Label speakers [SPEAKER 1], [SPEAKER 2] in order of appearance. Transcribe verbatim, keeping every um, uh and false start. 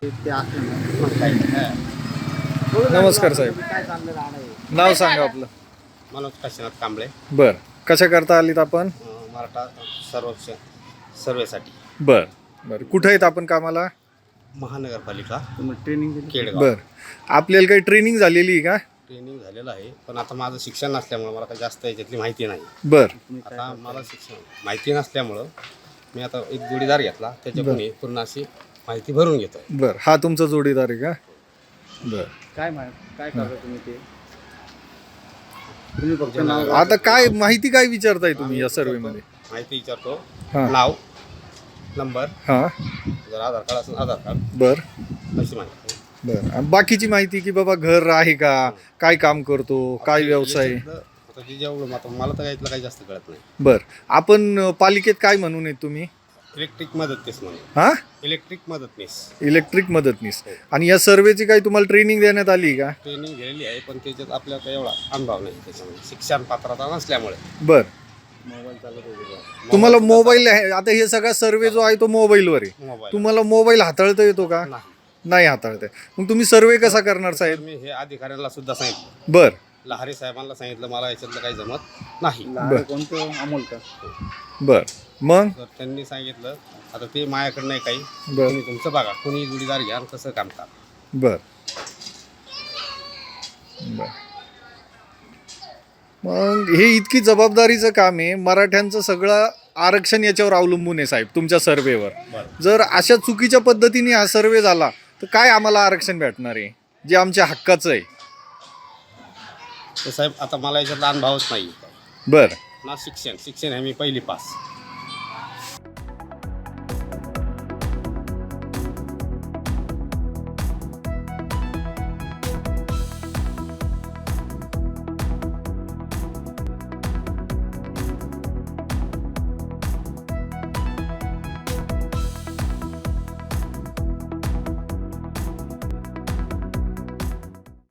[SPEAKER 1] नमस्कार साहेब, नाव सांगा आपलं.
[SPEAKER 2] मनोज काशीनाथ कांबळे.
[SPEAKER 1] बर, कशा करता आलीत आपण?
[SPEAKER 2] अं, मराठा सर्वेक्षण सर्वेसाठी.
[SPEAKER 1] बर बर, कुठे आहेत आपण कामाला?
[SPEAKER 2] महानगरपालिका
[SPEAKER 3] ट्रेनिंग
[SPEAKER 2] केडगाव.
[SPEAKER 1] बर, आपल्याला काही ट्रेनिंग झालेली आहे का?
[SPEAKER 2] ट्रेनिंग झालेलं आहे, पण आता माझं शिक्षण नसल्यामुळं मला काही जास्त याच्यातली माहिती नाही.
[SPEAKER 1] बर
[SPEAKER 2] आता मला शिक्षण माहिती नसल्यामुळं मी आता एक जोडीदार घेतला, त्याच्याकडून ही पूर्ण अशी माहिती भरून घेतोय.
[SPEAKER 1] बर, हा तुमचा जोडीदार आहे का? बर,
[SPEAKER 3] काय मा- काय करता तुम्ही ते? तुम्ही फक्त नाव
[SPEAKER 1] आता काय माहिती काय विचारताय तुम्ही या सर्वे मध्ये?
[SPEAKER 2] माहिती विचारतो,
[SPEAKER 1] हा.
[SPEAKER 2] नाव, नंबर,
[SPEAKER 1] हा.
[SPEAKER 2] जर आधार कार्ड असेल आधार कार्ड,
[SPEAKER 1] बर
[SPEAKER 2] अशी माहिती.
[SPEAKER 1] बर, आणि बाकीची माहिती की बाबा घर आहे का, काय काम करतो, काय व्यवसाय?
[SPEAKER 2] याच्यातलं आता जे जेवढं आता मला तर यातलं काही जास्त कळत नाही.
[SPEAKER 1] बर, आपण अ, पालिकेत काय म्हणून आहेत तुम्ही?
[SPEAKER 2] इलेक्ट्रिक मदतनीस म्हणून.
[SPEAKER 1] हा,
[SPEAKER 2] इलेक्ट्रिक मदतनीस
[SPEAKER 1] इलेक्ट्रिक मदतनीस. आणि या सर्वेची काही तुम्हाला ट्रेनिंग देण्यात आली का?
[SPEAKER 2] ट्रेनिंग घेतलेली आहे, पण त्याच्यात आपल्याला काही एवढा अनुभव नाही त्याच्यामध्ये, शिक्षण पात्रता नसल्यामुळे.
[SPEAKER 1] बर,
[SPEAKER 3] मोबाईल चालत होते.
[SPEAKER 1] तुम्हाला मोबाईल आहे, आता हे सगळा सर्वे जो आहे तो मोबाईलवर आहे.
[SPEAKER 2] मोबाईल
[SPEAKER 1] तुम्हाला मोबाईल हाताळता येतो का?
[SPEAKER 2] नाही.
[SPEAKER 1] नाही हाताळता येत. मग तुम्ही सर्वे कसा करणार
[SPEAKER 2] तर
[SPEAKER 1] साहेब?
[SPEAKER 2] मी हे अधिकाऱ्यांना सुद्धा सांगितलं,
[SPEAKER 1] बर
[SPEAKER 2] लहारी साहेबांना सांगितलं, मला याच्यातलं काही जमत नाही.
[SPEAKER 3] लहान कोणतं अमोल का?
[SPEAKER 1] बर, मग
[SPEAKER 2] तर त्यांनी सांगितलं आता ते माझ्याकडे नाही काही,
[SPEAKER 1] बर
[SPEAKER 2] तुम्ही तुमचं बघा, कोणी जोडीदार घ्या आणि कसं काम करा.
[SPEAKER 1] बर बर. मग हे इतकी जबाबदारीचं काम आहे, मराठ्यांचं सगळं आरक्षण याच्यावर अवलंबून आहे साहेब, तुमच्या सर्वेवर.
[SPEAKER 2] बरं.
[SPEAKER 1] जर अशा चुकीच्या पद्धतीने हा सर्वे झाला तर काय आम्हाला आरक्षण भेटणार आहे जे आमच्या हक्काचं आहे?
[SPEAKER 2] तर साहेब आता मला याच्यातला अनुभवच नाही.
[SPEAKER 1] बर
[SPEAKER 2] ना शिक्षण शिक्षण आहे मी पहिली पास.